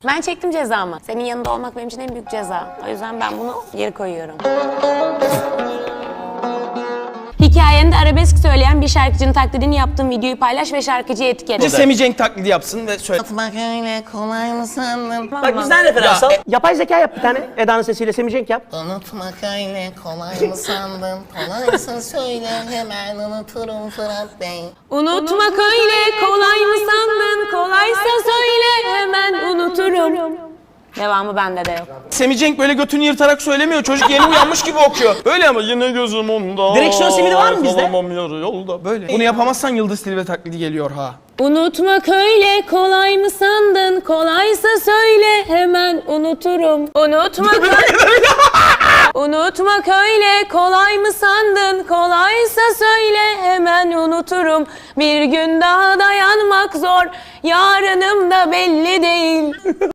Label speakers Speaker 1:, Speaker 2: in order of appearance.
Speaker 1: Ben çektim cezamı. Senin yanında olmak benim için en büyük ceza. O yüzden ben bunu geri koyuyorum. Hikayende arabesk söyleyen bir şarkıcının taklidini yaptığım videoyu paylaş ve şarkıcıyı etiket.
Speaker 2: Semih Cenk taklidi yapsın ve söyle.
Speaker 3: Bak öyle kolay mı sandın?
Speaker 4: Bak bizden referans al. Yapay zeka yap bir tane. Eda'nın sesiyle Semih Cenk yap.
Speaker 3: Unutmak öyle kolay mı sandın? Kolaysa söyle hemen unuturum Fırat Bey.
Speaker 1: Unutmak öyle kolay mı sandın? Kolaysa söyle hemen unuturum. Devamı bende de yok.
Speaker 2: Semih Cenk böyle götünü yırtarak söylemiyor. Çocuk yeni uyanmış gibi okuyor. Böyle ama yine gözüm onda.
Speaker 4: Direksiyon simidi var mı bizde?
Speaker 2: Kalamam yarı yolda. Böyle. Bunu yapamazsan Yıldız Tilbe taklidi geliyor ha.
Speaker 1: Unutmak öyle kolay mı sandın? Kolaysa söyle hemen unuturum. Unutmak Unutmak öyle kolay mı sandın? Kolaysa söyle hemen unuturum. Bir gün daha dayanmak zor. Yarınım da belli değil.